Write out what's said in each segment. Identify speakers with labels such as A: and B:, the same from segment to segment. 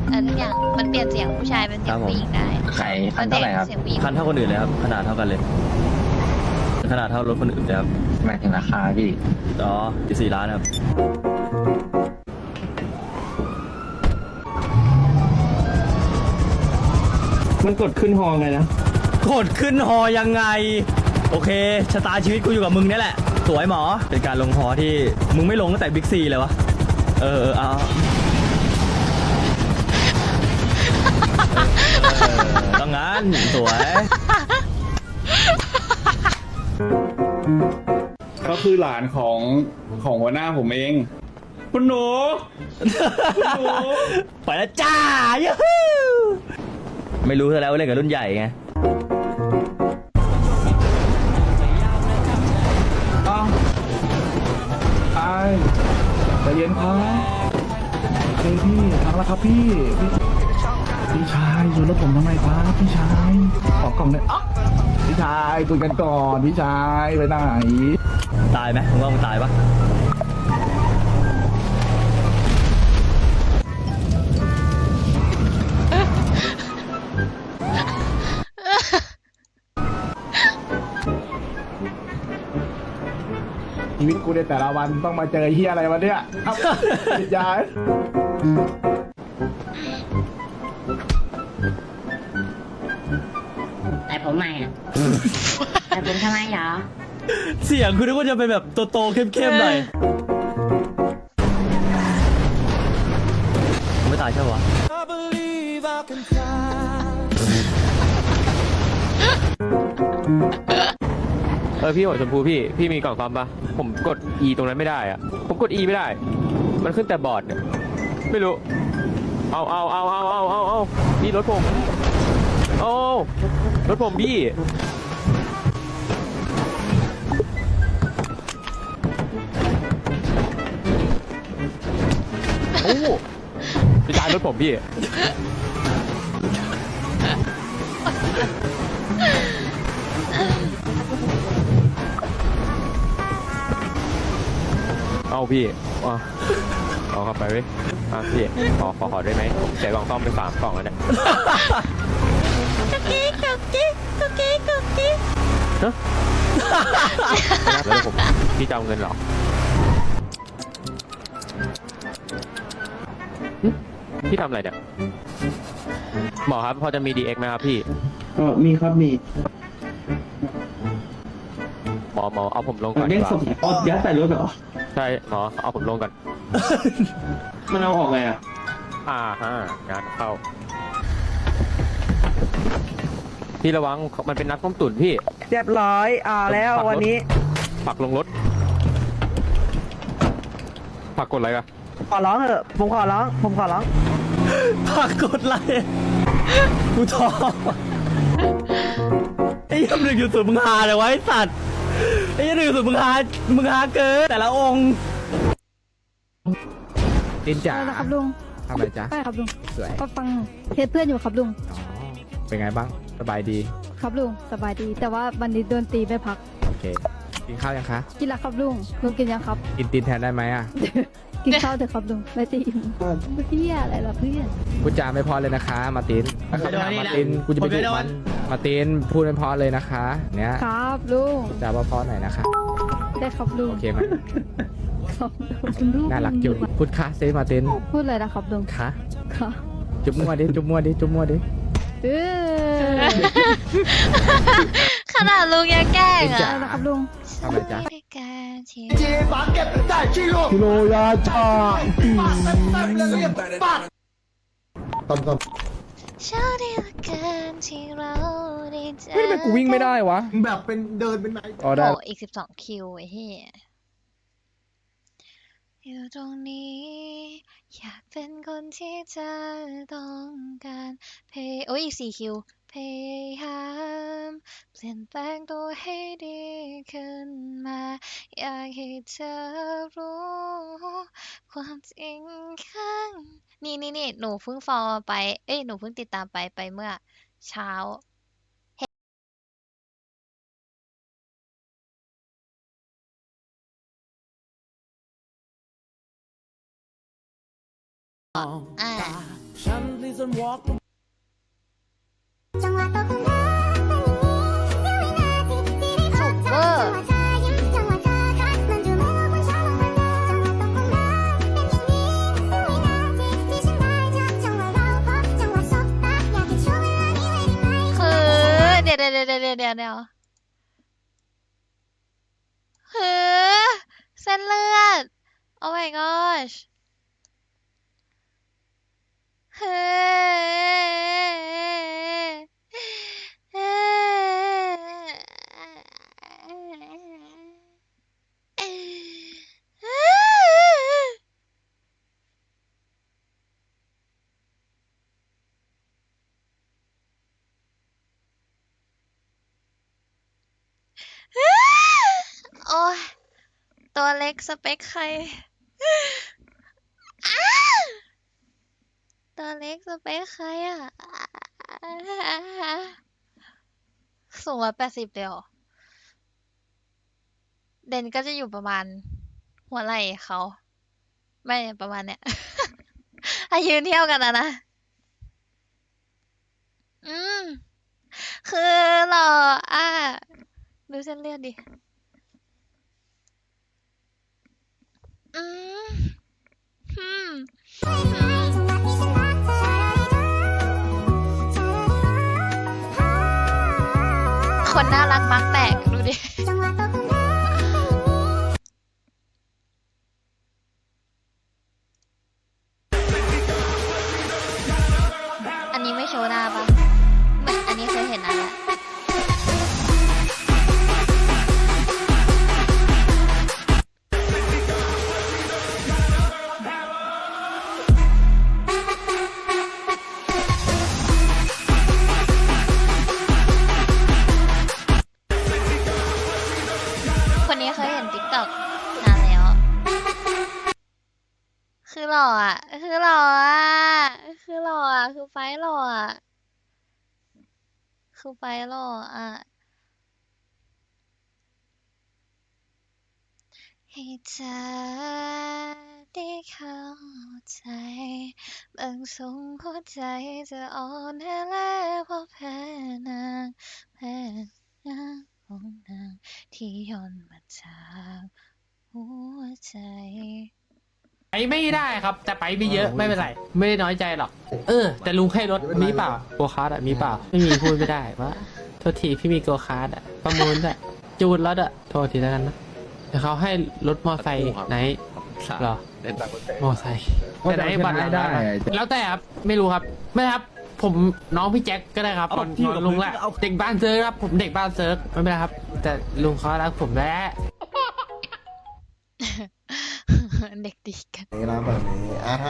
A: อย่างมันเปลี่ยนเสียงผู้ชายเป็นเสียงผู้หญิงได้
B: ใครคันเท่าไหร่ครับ
A: เสียงผู้หญิง
C: คันเท่าคนอื่นเลยครับขนาดเท่ากันเลยขนาดเท่ารถคนอื่นเลยครับ
B: หมายถึงราคาพี่
C: อ๋อ4 ล้านครับ
D: มันกดขึ้นฮอไงนะ
C: กดขึ้นฮอยังไงโอเคชะตาชีวิตกูอยู่กับมึงนี่แหละสวยหมอเป็นการลงฮอที่มึงไม่ลงตั้งแต่บิ๊กซีเลยวะเอาต้องงั้นสวย
E: ก็คือหลานของหัวหน้าผมเอง คุณหนู
C: ไปแล้วจ้ายูฮูไม่รู้ซะแล้วว่าเล่นกับรุ่นใหญ่ไง
F: ใจเย็นครับโอเคพี่ทางแล้วครับพี่ชายอยู่รถผมทำไมครับพี่ชายขอกล่องเลยอ๊ะพี่ชายคุยกันก่อนพี่ชายไปไหน
C: ตายไหมมึงว่ามึงตายปะ
F: ชีวิตกูในแต่ละวันต้องมาเจอเฮียอะไรวะเนี่ยครับพี่ชาย
G: แต่ผมใหม่อ่ะ แต่ผมทำไมเหรอ
C: เสียงคุณนึกว่าจะเป็นแบบโตๆเข้มๆหน่อยไม่ตายใช่ปะ
D: พี่หัวชมพูพี่มีกล่องซ่อมปะผมกด E ตรงนั้นไม่ได้อะผมกด E ไม่ได้ มันขึ้นแต่บอร์ดเนี่ยไม่รู้เอานี่รถผมเอารถผมพี่โอ้ไปจ่ายรถผมพี่เอาพี่เอาเข้าไปเว้ยพี่ขอได้ไหมเสียกล่องซ่อมไป3 กล่องแล้วเนี่ย
A: กุ๊กกิ๊ก
D: ฮะแล้วผมพี่จะเอาเงินเหรอพี่ทำอะไรเนี่ยหมอครับพอจะมี DX ไหมครับพี่
F: มีครับมี
D: หมอเอาผมลงก่อน
F: เด้ง
D: ดีก
F: ศ
D: ว่า
F: พยัดใส่รถเหรอ
D: ใช่หมอเอาผมลงก่อน
F: มันเอาออกไงอ่ะ
D: งานเข้าพี่ระวังมันเป็นนักต้มตุ๋นพี่
H: เรียบร้อยแล้ววันนี้
D: ผักลงรถผักกดอะไรกัน
H: ขอร้องเถอะผมขอร้อง
C: ผักกดไลค์กูท้อไอ้ยัง1.0มึงหาเลยวะไอ้สัตว์ไอ้ยัง1.0มึงหาเกินแต่ละองค์
F: จินจ๋า
I: ครับลุง
F: ทำอะไรจ๊ะ
I: ใช่ครับลุง
F: สวย
I: ก็ฟังเทสเพื่อนอยู่ครับลุง
F: เป็นไงบ้างสบายดี
I: ครับลุงสบายดี แต่ว่าวันนี้โดนตีไม่พัก
F: โอเคกินข้าวยังคะ
I: กินแล้วครับลุงลุงกินยังครับ
F: กินตีนแทนได้ไหมอ่ะ
I: กินข้าวเถอะครับลุงไม่ตีอิ่มเพื่ออะไรล่ะเพื่อน
F: พูดจาไม่พอเลยนะคะมาร์ตินมาร์ตินกูจะไปดุมันมาร์ตินพูดไม่พอเลยนะคะเนี่ย
I: ครับลุง
F: พูดจาเพอๆหน่อยนะคะ
I: ได้ครับลุง
F: โอเคไหม
I: ครับลุง
F: น่ารักจุดพูดค่ะเซมาร์ติน
I: พูดอะไรนะครับลุง
F: ค่ะ
I: ค่ะ
F: จุ๊บมั่วดิจุ๊บมั่วดิ
I: เออ
A: ขนาดลุงยังแกล้ง
I: อะไร
A: อ่ะ
I: นะครับลุง
F: ทำอะไรจ๊ะกิโลยาชา
A: เช้าดีเหลือเกินที่เราได้เจอ
F: เฮ้ยทำไมกูวิ่งไม่ได้วะ
J: แบบเป็นเดินเป็นไหน
F: อ๋อได้
A: โอ้อีก12 คิวไอ้เหี้ยอยู่ตรงนี้ อยากเป็นคนที่เธอต้องการโอ้ยอีก4 คิวพยายามเปลี่ยนแปลงตัวให้ดีขึ้นมา อยากให้เธอรู้ ความจริงข้างนี่หนูเพิ่งฟอลไปหนูเพิ่งติดตามไปเมื่อเช้าอ่าสุกเวอร์คือเดี๋ยวคือเส้นเลือด Oh my gosh โอ้ยตัวเล็กสเปคใคร ตัวเล็กสเปคใครอ่ะ สูง180เดียว เด่นก็จะอยู่ประมาณหัวไหล่เขา ไม่ประมาณเนี้ย ถ้ายืนเที่ยวกันนะ อืม คือหล่ออ่ะ ดูเส้นเลือดดิ อืมอืม คนน่ารักมักแตกดูดิ อันนี้ไม่โชว์หน้าปะไม่อันนี้เคยเห็นนานแล้ว คนนี้เคยเห็น TikTok นานแล้ว คือหล่ออ่ะ คือหล่ออ่ะ คือหล่ออ่ะ คือไฟหล่ออ่ะ คือไฟหล่ออ่ะ ให้เธอได้เข้าใจบางทรงหัวใจจะอ่อนแอและเพราะแพ้นางแพ้นางของนางที่ย่อนมาจากหัวใจ
J: ไปไม่ได้ครับ แต่ไปไม่เยอะไม่เป็นไร ไม่ได้น้อยใจหรอก แต่ลุงให้รถมีเปล่าโกคาร์ดอะมีเปล่า ไม่มีพูดไม่ได้ว่าโทษทีพี่มีโกคาร์ดอะประมูลด้วยจูนรถอะโทษทีแล้วกันนะเดี๋ยวเขาให้รถมอไซค์ไหนเหรอมอไซค์แต่ไหนบัตรได้แล้วแต่ครับไม่รู้ครับไม่ครับ ผมน้องพี่แจ็คก็ได้ครับนอนลุงแหละเด็กบ้านเซิร์ฟครับผมเด็กบ้านเซิร์ฟไม่เป็นไรครับ แต่ลุงเขารักผมแหละ
A: เด็กดีกัน
K: นี่นะแบบนี้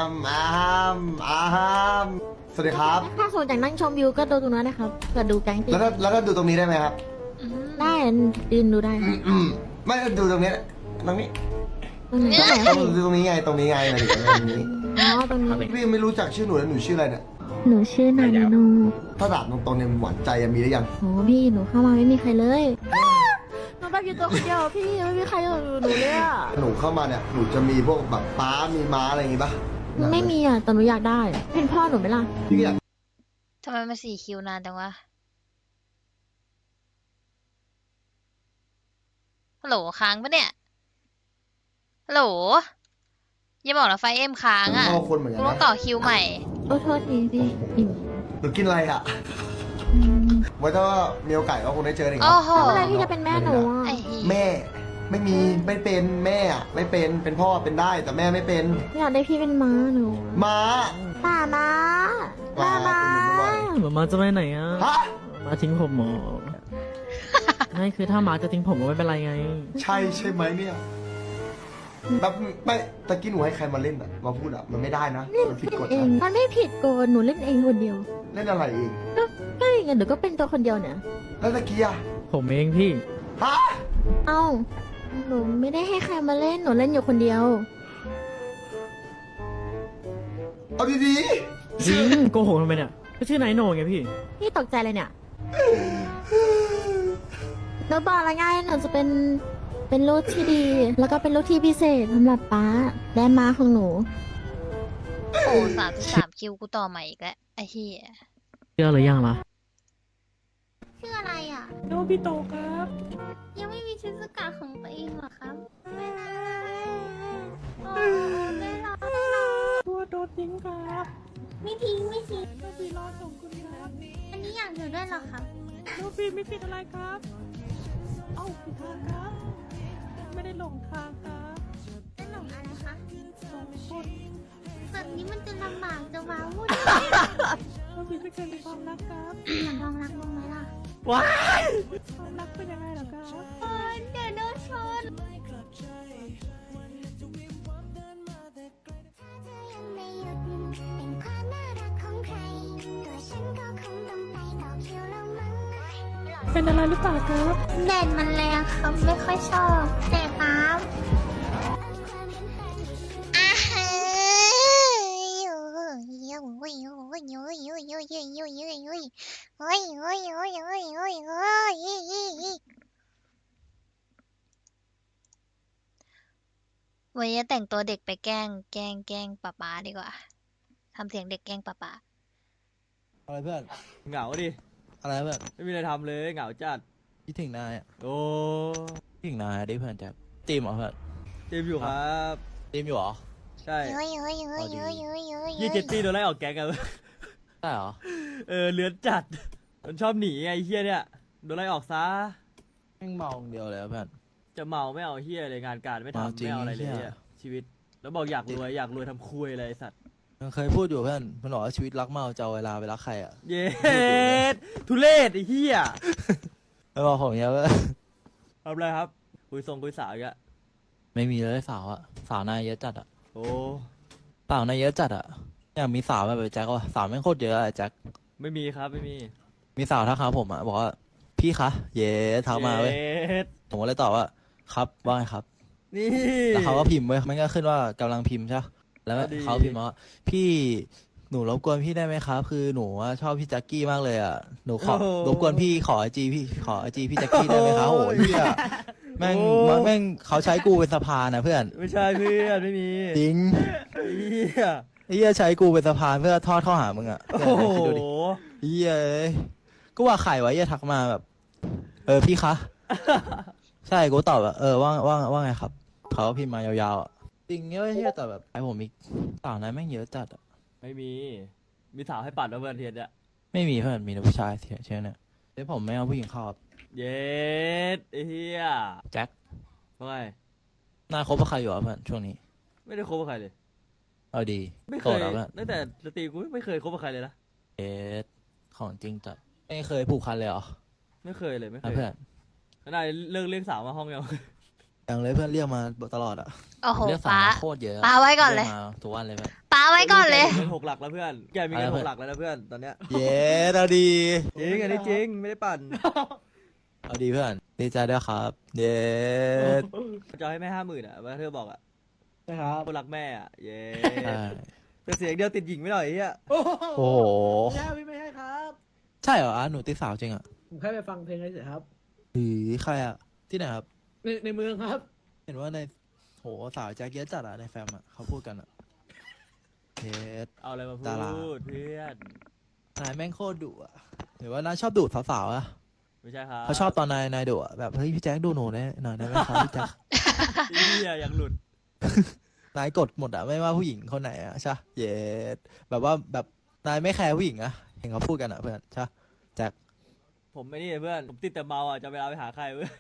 K: สวัสดีครับ
I: ถ้าสนจากนั่งชมวิวก็ดูตรงนั้นนะครับเพื่อดูแก๊งตี
K: แล้วก็ดูตรงนี้ได้ไหมครับ
I: ได้ยืนดูได้ครับ
K: ไม่ดูตรงนี้ตรงนี้
I: ตรงนี้ตรงไหนครับพี่
K: ดูตรงนี้ไงตรงนี้ไงมาถึงตรงนี้
I: อ๋อตรงนี้
K: พี่ไม่รู้จักชื่อหนูแล้วหนูชื่ออะไรเนี่ย
I: หนูชื่อนามิโน
K: ถ้าถามตรงๆเนี่ยหวานใจมีหรือยัง
I: โอ้พี่หนูเข้ามาไม่มีใครเลยหนูแบบอยู่ตัวคนเดียวพี่ไม่มีใครอยู่หนูเลยอะ
K: หนูเข้ามาเนี่ยหนูจะมีพวกแบบป้ามีม้าอะไรอย่างงี้ปะ
I: ไม่มีอะแต่หนูอยากได้ เป็นพ่อหนูไหมล่ะ
K: พี่ก็อยาก
A: ทำไมมา4 คิวนานจังวะ ฮัลโหลค้างปะเนี่ย ฮัลโหล อย่าบอกนะไฟเอ็มค้างอ่ะ
K: เข้าคนเหมือนกั
A: กู
K: น
A: ต้อง
K: นะ
A: ต่อคิวใหม่
I: โอ้โทษทีพี่อิ่ม
K: หนูกินอะไรอ่ะ
I: อืม
K: ไว้ถ้ามีโอกาสก็คงได้เจออีก
A: โอ้โห
I: แล้วเมื่อไหรพี่จะเป็นแม่หนูอะ
A: ไอ้เหี้ย
K: แม่ไม่มีไม่เป็นแม่อะไม่เป็นพ่อเป็นได้แต่แม่ไม่เป็น
I: อยากได้พี่เป็นม้าหนู
K: ม้า
I: ป้าม้าป้าม้า
H: หมาจะไปไหนอ่ะ
K: ฮะ
H: มาทิ้งผมหมอ ไม่คือถ้าหมาจะทิ้งผมก็ไม่เป็นไรไง
K: ใช่ไหมเนี่ยแบบไม่ตะกี้หนูให้ใครมาเล่นอ่ะมาพูดอ่ะมันไม่ได้นะมันผิดกฎ
I: เอง
K: นะ
I: มันไม่ผิดกฎหนูเล่นเองคนเดียว
K: เล่นอะไรเอง
I: ก็อย่างเงี้ยหนูก็เป็นตัวคนเดียวเนี่ย
K: แล้วตะกี้อ่ะ
H: ผมเองพี่
K: ฮะ
I: เอ้าหนูไม่ได้ให้ใครมาเล่นหนูเล่นอยู่คนเดียว
K: เอาดี
H: จริงโกหกทำไมเนี่ยก็ชื่อนายโหน่งไงพี่
I: พี่ตกใจเลยเนี่ยหนูบอกแล้วไงหนูจะเป็นลูกที่ดี แล้วก็เป็นลูกที่พิเศษสำหรับป้าและม้าของหนู
A: โอ้33 คิวกูต่อใหม่อีกแล้วไอ้เหี้ย
H: เชื่อหรือยังล่ะ
I: ชื่ออะไรอ่ะ
H: โนบิโตะครับ
I: ยังไม่มีชิซุกะของตัวเองเหรอครับ ไม่นะโอ้ไม่รอ
H: ตัวโดนทิ้งครับ
I: ไม่ทิ้งไม่ทิ้ง
H: โนบิรอส่งคุณครับ
I: อันนี้อยากอยู่ด้วยเหรอครับ
H: โนบิไม่ผิดอะไรครับ เอ้าผิดทางครับ ไม่ได้หลงทางครับ
I: นั่นหลงอะไรคะ
H: สองคน
I: แบบนี้มันจะลำบากจะว้าวุ่น
H: โนบิไม่เคยมีความรักครับ
I: อยากลองรักบ้างไหมล่ะ
C: ว้าย
H: ความรักเป็นยังไงเหรอครับ
I: เออเดี๋ยวโดนชน
H: เป็นอะไรหรือเปล่าครับ
I: แดดมันแรงครับไม่ค่อยชอบแต่ครับ
A: อาฮะโอ้ยโอ้ยโอ้ยโอ้ยโอ้ยโอ้ยโอ้ยโอ้ยโอ้ยโอ้ยโอ้ยโอ้ยโอ้ยโอ้ยโอ้ยโอ้ยโอ้ยวันนี้แต่งตัวเด็กไปแกล้งป๊าป๊าดีกว่าทำเสียงเด็กแกล้งป๊าป๊า
F: อะไรเพื่อน
C: เหงาดิ
F: อะไรเพื่อน
C: ไม่มีอะไรทำเลยเหงาจัด
F: คิดถึงนายอะ
C: โอ้
F: คิดถึงนายดิเพื่อนแจ็คตีมเหรอเพื่อน
C: เจมส์อยู่ครับ
F: ตีมอยู่เหรอ
C: ใช่
A: โอ้ยโอ้ยโอ้ยโอ้ยโอ้ยโอ้ย
C: ยี่เจตตี้โดนไล่ออกแก๊งกัน
F: ใช่เหรอ
C: เลือนจัด มันชอบหนีไอ้เฮียเนี่ยโดนไล่ออกซะ
F: แม่งเมาอย่างเดียวเลยอะเพื่อน
C: จะเมาไม่เอาเฮียเลยงานการไม่
F: เมา
C: ทำ
F: จริง
C: ไม่เอาอะไรเลย
F: เหี้ย
C: เหี้ยชีวิต แล้วบอกอยากรวยทำคุยอะไรไอ้สัตว์
F: มันเคยพูดอยู่เพื่อนมันบอกว่าชีวิตรักเมาจะเอาเวลาไปรักใครอ่ะ
C: เย็ดทุเรศไอ้เฮีย
F: ไม่บอกผมเนี้ยว่า
C: ทำอะไรครับคุยสาวอีกอะ
F: ไม่มีเลยสาวอ่ะสาวนายเยอะจัดอ่ะ
C: โอ้
F: สาวนายเยอะจัดอ่ะอยากมีสาวแบบไอ้แจ็คว่ะสาวแม่งโคตรเยอะอะไอ้แจ็ค
C: ไม่มีครับไม่มี
F: มีสาวทักหาผมอ่ะบอกว่าพี่คะเย้ทักมาเว้ย
C: ย็ด
F: ผมก็เลยตอบว่าครับว่าไงครับ
C: นี่
F: แล้วเขาก็พิมพ์เว้ยมันก็ขึ้นว่ากำลังพิมพ์ใช่ปะแล้ว
C: ก็ดี
F: เขาพิมพ์มาว่าพี่หนูรบกวนพี่ได้ไหมครับคือหนูว่าชอบพี่แจ็คกี้มากเลยอ่ะหนูขอรบกวนพี่ขอไอจีพี่แจ็คกี้ได้ไหมครับโอ้ยเหี้ยแม่งเขาใช้กูเป็นสะพานนะเพื่อน
C: ไม่ใช่เพื่อนไม่มี
F: จริง
C: ไอ้เฮีย
F: ไอ้เหี้ยใช้กูเป็นสะพานเพื่อทอดเข้าหามึงอ่ะ
C: โอ้โห
F: คิดดูดิเหี้ยเอ้ยก็ว่าไข่ไว้เหี้ยทักมาแบบ พี่คะ ใช่กูตอบแบบว่าไงครับเขาก็พิมพ์มายาวๆอะจริงเงี้ยเหี้ยแต่แบบไอผมมีสาวนั้นแม่งเยอะจัดอะ
C: ไม่มีสาวให้ปัดมาเพื่อนเทียนเนี่ย
F: ไม่มีเพื่อนมีแต่ผู้ชายเชื่อเนี่ยเดี๋ยวผมไม่เอาผู้หญิงเข้าครับ
C: เย็ดไอ้เฮีย
F: แจ็ค
C: ว่าไง
F: นายคบกับใครอยู่อ่ะเพื่อนช่วงนี้
C: ไม่ได้คบกับใครเลย
F: เอาดี
C: ไม่เค
F: โสด
C: ย
F: แล้วเพื่อน
C: ตั้งแต่สตรีกูไม่เคยคบกับใครเลยนะ
F: เอสของจริงจัดไม่เคยผูกพันเลยเหรอ
C: ไม่เคยเลยไม่เค
F: นะ
C: ย
F: เพื่อน
C: ขนาดเลิกเรียกสาวมาห้องยัง
F: ยังเลยเพื่อนเรียกมาตลอดอ่ะ
A: โอ้โห
F: เรียกสาว
A: ป๊า
F: มาโคตรเยอะะ
A: ป๊าไว้ก่อนเลย
F: รีมาทุกวันเลยเพื่อน
A: ป๊าไว้ก่อนเลย
C: เงิน6 หลักแล้วเพื่อนแกมีเงิน
F: อะไร
C: 6
F: เพื่อน
C: หลักแล้วนะเพื่อนตอนเนี้ย
F: เย้เอาดี
C: จริงอันนี้จริงไม่ได้ปั่น
F: เอาดีเพื่อนดีใจด้วยครับเย้
C: จะให้แม่50,000อ่ะว่าเธอบอกอ่ะ
F: นะครับ
C: คนรักแม่อ่ะเย้
F: ใช่
C: แต่เสียงเดียวติดหญิงไม่หน่อยไอ้เฮีย
F: โอ้โห
H: ไม่ใช่ครับ
F: ใช่เหรอหนูติดสาวจริงอ่ะ
H: ผมแค่ไปฟังเพลงเฉยๆครับ
F: หรือใครอ่ะที่ไหนครับ
H: ในเมืองครับ
F: เห็นว่าในโหสาวแจ็คเยอะจัดอ่ะในแฟมอ่ะเขาพูดกันอ่ะเฮ็ด
C: เอาอะไรมาพู
F: ดารา
C: ดเพื่อน
F: นายแม่งโคตรดุอ่ะหรือว่านายชอบดุสาวๆอ่ะ
C: ไม่ใช่ครับ
F: เขาชอบตอนนายดุอ่ะแบบเฮ้ยพี่แจ็คดูหนูได้หน่อยได้ไหมครับพี่แจ็ค
C: ไอ้เฮียยังหลุด
F: นายกดหมดอ่ะไม่ว่าผู้หญิงคนไหนอ่ะใช่ปะเย็ดแบบว่าแบบนายไม่แคร์ผู้หญิงอ่ะเห็นเขาพูดกันอ่ะเพื่อนใช่ปะแจ็ค
C: ผมไม่นี่เพื่อนผมติดแต่เมาอ่ะจะเวลาไปหาใครเพื่อน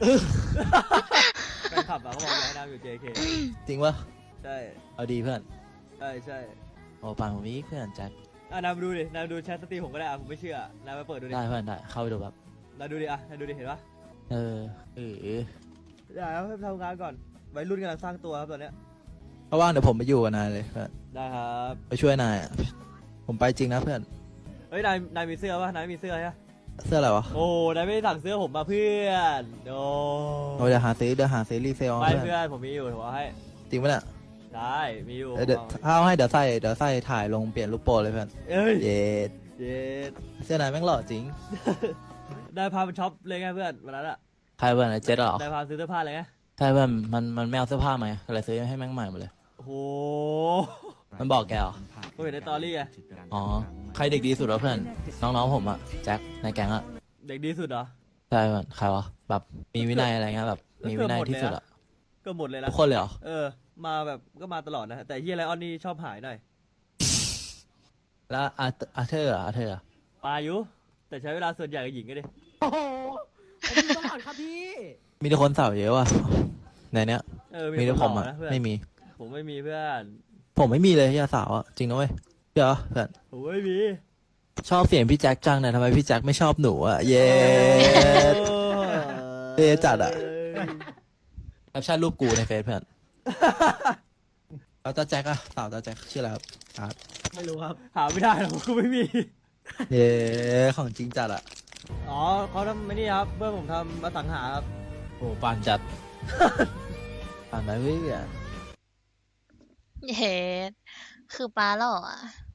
C: แฟนคลับอ่ะเขาบอกอยากให้น้ำอยู่ JK
F: จริงปะ
C: ใช่
F: เอาดีเพื่อน
C: ใช่ใช่
F: โอ้ปานผมอีกเพื่อนแจ็ค
C: นายมาดูดินายมาดูแชทสตรีมผมก็ได้อ่ะผมไม่เชื่อนายมาเปิดดูดิ
F: ได้เพื่อนได้เข้าไปดูแบบ
C: นายดูดิอ่ะนายดูดิเห็นปะ
F: เออ
C: เดี๋ยวให้ทำงานก่อนวัยรุ่นกำลังสร้างตัวครับตอนเนี้ย
F: เพราะว่างเดี๋ยวผมไปอยู่กับนายเลยเพื่อน
C: ได้ครับ
F: ไปช่วยนายอ่ะผมไปจริงนะเพื่อน
C: เฮ้ยนายมีเสื้อปะนายไม่มีเสื้อใช่ปะ
F: เสื้ออะไรวะ
C: โอ้นายไม่ได้สั่งเสื้อผมมาเพื่อนโอ้
F: เราจะหาซื้อรีเซล
C: ไม่
F: เพื่อน
C: เพื่อนผมมีอยู่ผมเอาให้
F: จริงปะเนี่ย
C: ได้มีอยู่
F: เดี๋ยวถ้าเอาให้เดี๋ยวใส่ถ่ายลงเปลี่ยนรูปโปรเลยเพื่อน
C: เอ้ย
F: เย็ด
C: เย็ด
F: เสื้อนายแม่งหล่อจริง
C: ได้พาไปช็อปเลยไงเพื่อนวันนั้นอะ
F: ใครเพื่อนไอ้เจ็ดเหรอ
C: ได้พาซื้อเสื้อผ้าเลยไง
F: ใช่เพื่อนมันไม่เอาเสื้อผ้ามาอะไรซื้อให้แม่งใหม่หมดเลย
C: โอ้โห
L: มันบอกแกเหรอ
C: กูเห็นในตอรี่ไง
L: อ๋อ ใครเด็กดีสุดวะเพื่อน น้องๆผมอะแจ็คในแก๊งอะ
C: เด็กดีสุดเหรอ
L: ใช่เพื่อนใครวะ แบบมีวินัยอะไรเงี้ยแบบ มีวินัยที่สุดอะ
C: ก็หมดเลยนะ
L: ทุกคนเลยเหรอ
C: มาแบบก็มาตลอดนะ แต่เฮียไลออนนี่ชอบหายหน่อย
L: แล้วอาเธอร์อะ
C: ปาอยู่แต่ใช้เวลาส่วนใหญ่กับหญิงก็ดิ
J: โอ้โหผมมีตลอดครับพี่
L: มีแต่คนสาวเยอะว่ะ ในเนี้ย มีแต่ผมอะ
C: คนหล่นะเพื่อน
L: ไม่มี
C: ผมไม่มีเพื่อน
L: ผมไม่มีเลยที่สาวอะจริงนะเว้ยเดี๋ยวเพื่อน
C: ผมไม่มี
L: ชอบเสียงพี่แจ็คจังเนี่ยทำไมพี่แจ็คไม่ชอบหนูอะเย้เย้จัดอะแคปชั่นรูปกูในเฟซเพื่อน แล้วตาแจ็คอะสาวตาแจ็คชื่ออะไรครับอาร์ต
C: ไม่รู้ครับ หาไม่ได้หรอกกูไม่มี
L: เย้ของจริงจัดอะ
C: อ๋อเขาทำไม่นี่ครับเพื่อนผมทำมาสังหาครับ
L: โอ้ปานจัด ปานไหมเว้ย
A: เย้คือป้าหล่ออะ